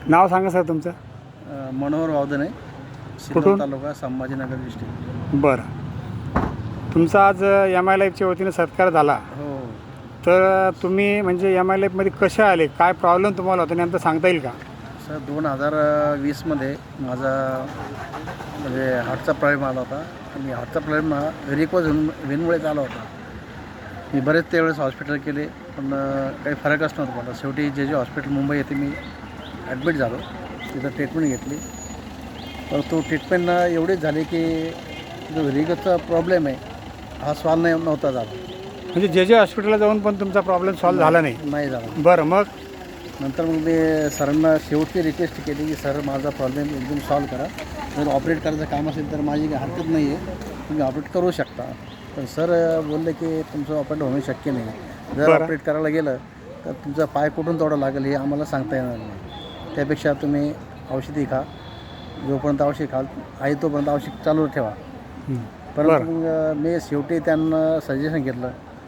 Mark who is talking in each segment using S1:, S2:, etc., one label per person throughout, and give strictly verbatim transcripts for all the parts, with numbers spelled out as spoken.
S1: नाव सांगा सर तुमचं.
S2: अ, मनोहर वावदने,
S1: कुठून?
S2: सिल्लोड तालुका, संभाजीनगर डिस्ट्रिक्ट.
S1: बरं, तुमचा आज एम आय लाईफच्या वतीनं सत्कार झाला.
S2: हो.
S1: तर तुम्ही म्हणजे एम आय लाईफमध्ये कसे आले, काय प्रॉब्लेम तुम्हाला होता नेमकं सांगता येईल का?
S2: सर दोन हजार वीसमध्ये माझा म्हणजे हार्टचा प्रॉब्लेम आला होता आणि हार्टचा प्रॉब्लेम हा रिकॉज होऊन वेनमुळेच आला होता. मी बरेच त्यावेळेस हॉस्पिटल केले पण अ, काही फरकच नव्हता मला. शेवटी जे जे हॉस्पिटल मुंबई येथे मी ॲडमिट झालो, तिथं ट्रीटमेंट घेतली. तर तो ट्रीटमेंट एवढीच झाली की जो रिकॉजचा प्रॉब्लेम आहे हा सॉल्व नाही नव्हता झाला.
S1: म्हणजे जे जे हॉस्पिटलला जाऊन पण तुमचा प्रॉब्लेम सॉल्व्ह झाला नाही?
S2: नाही झाला.
S1: बरं, मग
S2: नंतर मग मी सरांना शेवटची रिक्वेस्ट केली की सर माझा प्रॉब्लेम एकदम सॉल्व करा. जर ऑपरेट करायचं काम असेल तर माझी काही हरकत नाही आहे, तुम्ही ऑपरेट करू शकता. पण सर बोलले की तुमचं ऑपरेट होणं शक्य नाही. जर
S1: बरं.
S2: ऑपरेट करायला गेलं तर तुमचा पाय कुठून तोडा लागेल हे आम्हाला सांगता येणार नाही. त्यापेक्षा तुम्ही औषधी खा, जोपर्यंत औषध खाल आहे तोपर्यंत औषध चालू ठेवा.
S1: हं.
S2: परंतु
S1: बरं.
S2: मग मी शेवटी त्यांना सजेशन घेतलं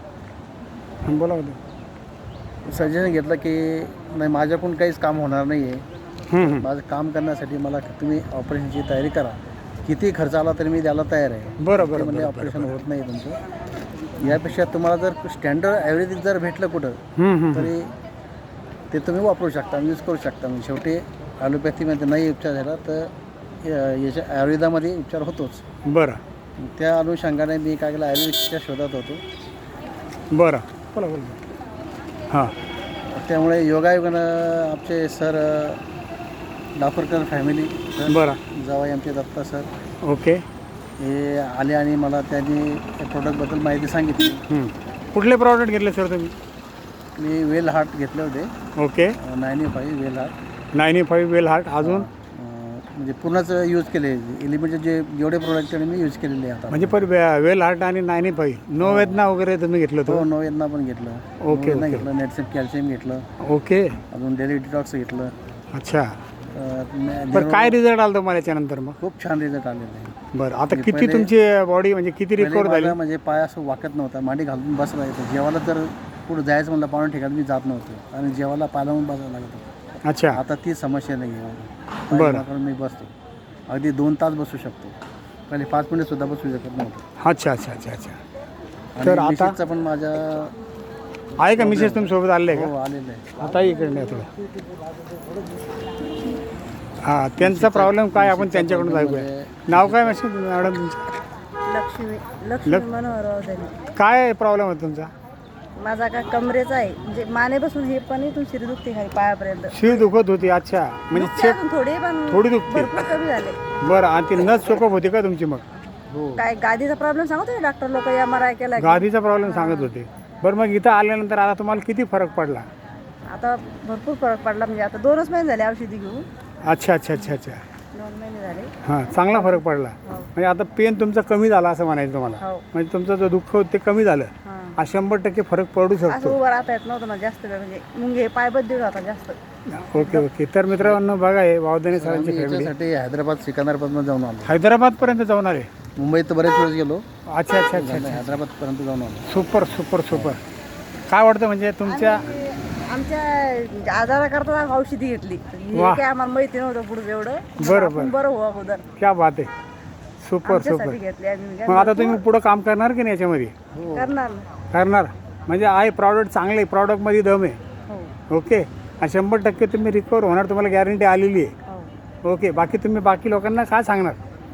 S1: हं, बोला बोला.
S2: सजेशन घेतलं की नाही, माझ्याकडून काहीच काम होणार नाही आहे.
S1: हं, हं.
S2: माझं काम करण्यासाठी मला तुम्ही ऑपरेशनची तयारी करा, किती खर्च आला तरी मी द्यायला तयार आहे.
S1: बरं
S2: ते
S1: बरं
S2: म्हणजे
S1: बरं,
S2: ऑपरेशन
S1: बरं,
S2: होत नाही तुमचं. यापेक्षा तुम्हाला जर स्टँडर्ड ॲव्हरेज जर भेटलं कुठं
S1: हं, हं, हं.
S2: तरी ते तुम्ही वापरू शकता, यूज करू शकता. म्हणजे शेवटी ॲलोपॅथीमध्ये नाही उपचार झाला तर या- याच्या आयुर्वेदामध्ये उपचार होतोच.
S1: बरं
S2: त्या अनुषंगाने मी काय केलं, आयुर्वेदिकच्या शोधात होतो.
S1: बरं, बोला बोला. हां,
S2: त्यामुळे योगायोगानं आमचे सर डाफरकर फॅमिली सर,
S1: बरं,
S2: जावई आमचे दत्ता सर,
S1: ओके.
S2: हे आले आणि मला त्यांनी त्या प्रोडक्टबद्दल माहिती सांगितली.
S1: हं. कुठले प्रॉडक्ट घेतले सर तुम्ही?
S2: मी वेल हार्ट घेतले होते,
S1: okay.
S2: Nine five well heart.
S1: Ninety five well heart. अजून
S2: अं, म्हणजे पूर्णच यूज केले. एलिमेंटचे जे जेवढे प्रोडक्ट मी यूज केलेले आता.
S1: म्हणजे पर वे- वेल हार्ट आणि नाईन्टी फाईव्ह नो वेदना वगैरे तुम्ही घेतलं
S2: हो,
S1: होतं?
S2: नोवेदना पण घेतलं,
S1: ओके,
S2: नोवेदना
S1: ओके.
S2: घेतलं, नेटसेप कॅल्शियम घेतलं,
S1: ओके.
S2: अजून डेली डिटॉक्स घेतलं.
S1: अच्छा.
S2: अं, ने-
S1: बरं, काय रिझल्ट आला तुम्हाला याच्यानंतर मग?
S2: खूप छान रिझल्ट आलेला आहे.
S1: बरं, आता
S2: म्हणजे
S1: किती
S2: पहिले-
S1: तुमची बॉडी म्हणजे किती
S2: पहिले
S1: रिकवर झाली?
S2: माझा म्हणजे पाय असं वाकत नव्हता, मांडी घालून बसला येतो. जेवायला तर कुठं जायचं म्हणलं पाहुणे ठिकाणी मी जात नव्हतो आणि जेवायला पाय लावून बसायला लागत होतं.
S1: अच्छा.
S2: आता ती समस्या नाही आहे.
S1: बरं.
S2: पाय मी बसतो, अगदी दोन तास बसू शकतो. पहिले पाच मिनिट सुद्धा बसू शकत नव्हतो.
S1: अच्छा अच्छा अच्छा अच्छा.
S2: आणि
S1: तर आता
S2: मिसेसचा पण माझ्या
S1: आहे का मिसेस तुम्ही सोबत आले का?
S2: हो आलेलं आहे.
S1: आता इकडे नाही थोडं. हां, त्यांचा प्रॉब्लेम काय आपण त्यांच्याकडून ऐकूया. नाव काय मॅसेज मॅडम तुमचं?
S3: लक्ष्मी लक्ष्मी
S1: लक-
S3: मनोहर वावदने.
S1: काय प्रॉब्लेम आहे तुमचा?
S3: माझा का कमरेचा आहे, म्हणजे मानेपासून हे पण इथून शिरी दुखते खाली पायापर्यंत.
S1: शिर दुखत होती. अच्छा, म्हणजे
S3: दुखते
S1: चेक
S3: अजून थोडी पण
S1: थोडी दुखते.
S3: भरपूर कमी झाले.
S1: बरं, आणि ती नस चोकप होती का तुमची मग?
S2: हो.
S3: काय गादीचा प्रॉब्लेम सांगतो ना डॉक्टर लोक, एम आर आय केला की.
S1: गादीचा प्रॉब्लेम सांगत होते. बरं, मग इथं आल्यानंतर आता तुम्हाला किती फरक पडला?
S3: आता भरपूर फरक पडला. म्हणजे आता दोनच महिने झाले औषधी घेऊन,
S1: अच्छा अच्छा अच्छा अच्छा.
S3: दोन महिने झाले.
S1: हां, चांगला फरक पडला.
S3: हो
S1: म्हणजे आता पेन तुमचा कमी झाला असं म्हणायचं तुम्हाला?
S3: हो.
S1: म्हणजे तुमचं जो दुःख होतं ते कमी झालं.
S3: हां.
S1: हा शंभर टक्के फरक पडू
S3: असं
S1: शकतो.
S3: उभं राहता येत नव्हतं मला जास्त वेळ, म्हणजे मुंगे पाय बद्दल होता जास्त.
S1: Okay okay. तर मित्रांनो बघा, हे वावदने सरांची
S2: आम्ही
S1: फॅमिली
S2: याच्यासाठी हैदराबाद सिकंदराबादमध्ये जाऊन आलो.
S1: हैदराबादपर्यंत जाऊन आले.
S2: मुंबईत तर बरेच वेळेस गेलो,
S1: अच्छा अच्छा अच्छा अच्छा.
S2: हैदराबादपर्यंत जाऊन आलो.
S1: Super super super. काय वाटतं म्हणजे तुमच्या
S3: आम्ही आमच्या आजाराकरता औषधी घेतली. हे
S1: वाह.
S3: काय आम्हाला माहिती नव्हतं पुढे एवढं.
S1: बरं,
S3: आपण
S1: बरं.
S3: बरं हो अगोदर
S1: क्या बात आहे. Super super.
S3: आमच्यासाठी घेतली आम्ही.
S1: मग आता तुम्ही पुढं काम करणार की नाही याच्यामध्ये?
S3: करणार ना.
S1: करणार. म्हणजे आहे प्रॉडक्ट चांगले, प्रॉडक्टमध्ये दम आहे.
S3: हो
S1: ओके. आणि शंभर टक्के तुम्ही रिकवर होणार, तुम्हाला गॅरंटी आलेली आहे.
S3: हो.
S1: ओके. बाकी तुम्ही बाकी लोकांना काय सांगणार?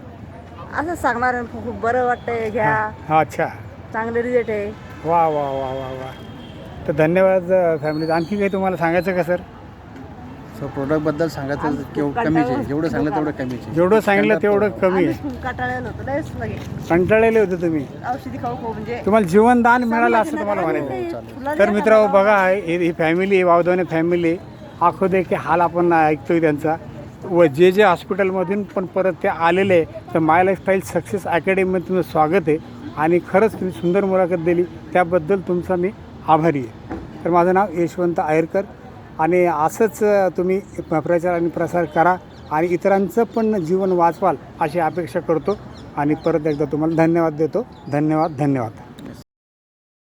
S3: असंच सांगणार आहे, खूप बरं वाटतंय, घ्या,
S1: हा, अच्छा.
S3: चांगले रिझल्ट आहे.
S1: वा वा वा वा वा. तर धन्यवाद फॅमिली. आणखी काही तुम्हाला सांगायचं का सर?
S2: सो प्रोडक्टबद्दल सांगायचं केवढं कमीच आहे. जेवढं सांगलं तेवढं कमीच आहे.
S1: जेवढं सांगितलं तेवढं कमी आहे.
S3: आम्ही कंटाळलेलो होतो लयच लगे
S1: कंटाळलेले होते तुम्ही.
S3: औषधी खाऊ खाऊ, म्हणजे
S1: तुम्हाला जीवनदान मिळालं असं तुम्हाला म्हणायचं. तर मित्रांनो बघा, ही ही फॅमिली आहे, वावदवणे फॅमिली. आखो दे की हाल आपण ऐकतोय त्यांचा. व जे जे हॉस्पिटलमधून पण परत ते आलेले आहे, तर माय लाईफस्टाईल सक्सेस अकॅडमीमध्ये तुमचं स्वागत आहे. आणि खरंच तुम्ही सुंदर मुलाखत दिली, त्याबद्दल तुमचा मी आभारी आहे. तर माझं नाव यशवंत आयरकर. आणि असंच तुम्ही प्रचार आणि प्रसार करा आणि इतरांचं पण जीवन वाचवाल अशी अपेक्षा करतो. आणि परत एकदा तुम्हाला धन्यवाद देतो. धन्यवाद धन्यवाद.